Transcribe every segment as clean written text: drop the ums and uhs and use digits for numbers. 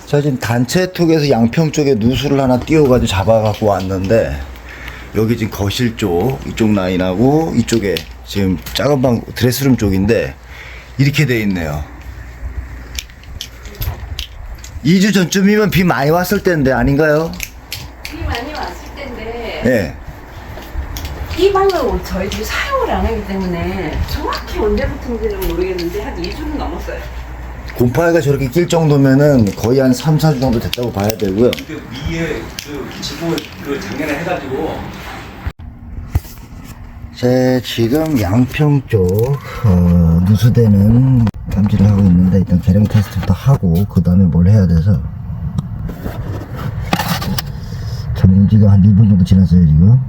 자, 지금 단체톡에서 양평 쪽에 누수를 하나 띄워가지고 잡아갖고 왔는데, 여기 지금 거실 쪽, 이쪽 라인하고 이쪽에 지금 작은 방, 드레스룸 쪽인데, 이렇게 돼 있네요. 2주 전쯤이면 비 많이 왔을 때인데, 아닌가요? 비 많이 왔을 때인데 예. 이 방을 저희들이 사용을 안 하기 때문에 정확히 언제부터인지는 모르겠는데 한 2주는 넘었어요. 곰팡이가 저렇게 낄 정도면은 거의 한 3, 4주 정도 됐다고 봐야 되고요. 그 위에 그 지붕을 그 작년에 해가지고 제 지금 양평 쪽 누수되는 감지를 하고 있는데, 일단 계량 테스트부터 하고 그 다음에 뭘 해야 돼서 점지가 한 1분 정도 지났어요 지금.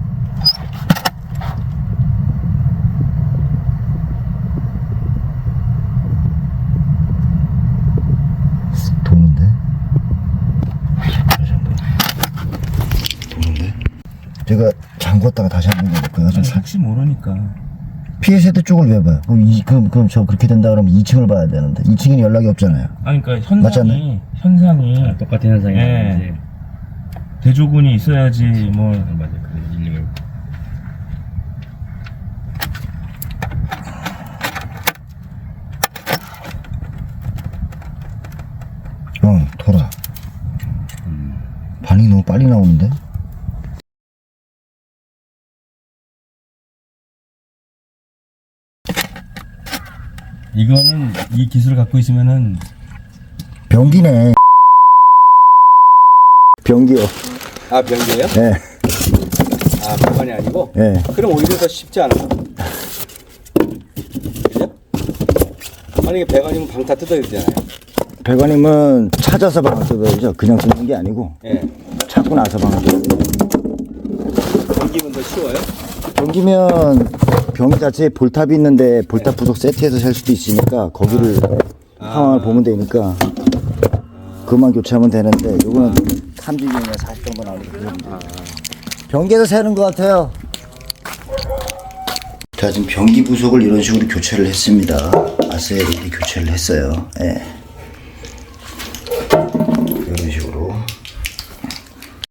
도는데 제가 잠궜다가 다시 한번 해볼까요? 좀 혹시 모르니까 피해 세대 쪽을 왜 봐요? 그럼 저 그렇게 된다 그러면 2층을 봐야 되는데 2층에는 연락이 없잖아요. 아니 그러니까 맞잖아요. 현상이 똑같은 현상이 예. 나오지. 대조군이 있어야지 뭐 맞아 그래 일리가 돌아. 반응이 너무 빨리 나오는데? 이거는 이 기술을 갖고 있으면은 변기네. 변기요. 아 변기예요? 예, 아 배관이 아니고? 예. 그럼 오히려 더 쉽지 않아. 그죠? 만약에 배관이면 방 다 뜯어야 되잖아요. 배관님은 찾아서 방을 뜯어야죠. 그냥 뜯는 게 아니고 예. 찾고 나서 방을 뜯어요. 변기면 더 쉬워요? 변기면 변기 자체에 볼탑이 있는데 볼탑 부속 세트해서 살 수도 있으니까 거기를 상황을 보면 되니까 그만 교체하면 되는데, 요거는 30년이나 40 정도 나오니까 변기에서 새는 것 같아요. 자, 지금 변기 부속을 이런 식으로 교체를 했습니다. 아스에 이렇게 교체를 했어요. 예.